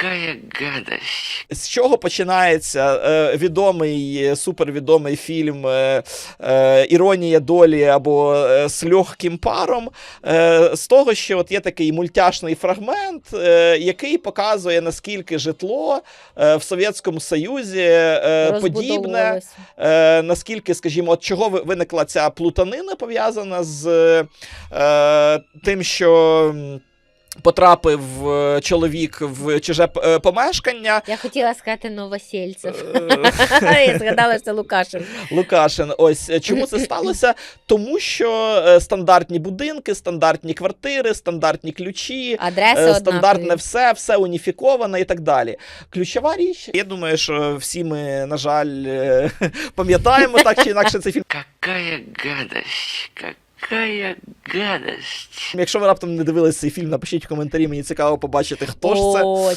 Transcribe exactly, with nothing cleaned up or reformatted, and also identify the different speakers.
Speaker 1: Какая гадость.
Speaker 2: З чого починається е, відомий, супервідомий фільм е, е, «Іронія долі» або е, «З легким паром»? Е, з того, що от є такий мультяшний фрагмент, е, який показує, наскільки житло е, в Совєтському Союзі е, подібне,
Speaker 3: Розбудовувалося.
Speaker 2: е, наскільки, скажімо, от чого ви- виникла ця плутанина, пов'язана з е, тим, що м, потрапив е, чоловік в чуже е, помешкання.
Speaker 3: Я хотіла сказати Новосельцев.
Speaker 2: Е,
Speaker 3: Я згадала, що це Лукашин.
Speaker 2: Лукашин. Ось е, чому це сталося? Тому що е, стандартні будинки, стандартні квартири, стандартні ключі,
Speaker 3: Адреси
Speaker 2: е, стандартне
Speaker 3: однакові.
Speaker 2: все, все уніфіковане і так далі. Ключова річ, я думаю, що всі ми, на жаль, е, пам'ятаємо так чи інакше цей фільм.
Speaker 1: Какая гадость. Какая гадость.
Speaker 2: Якщо ви раптом не дивилися цей фільм, напишіть в коментарі, мені цікаво побачити, хто ж це.
Speaker 3: О,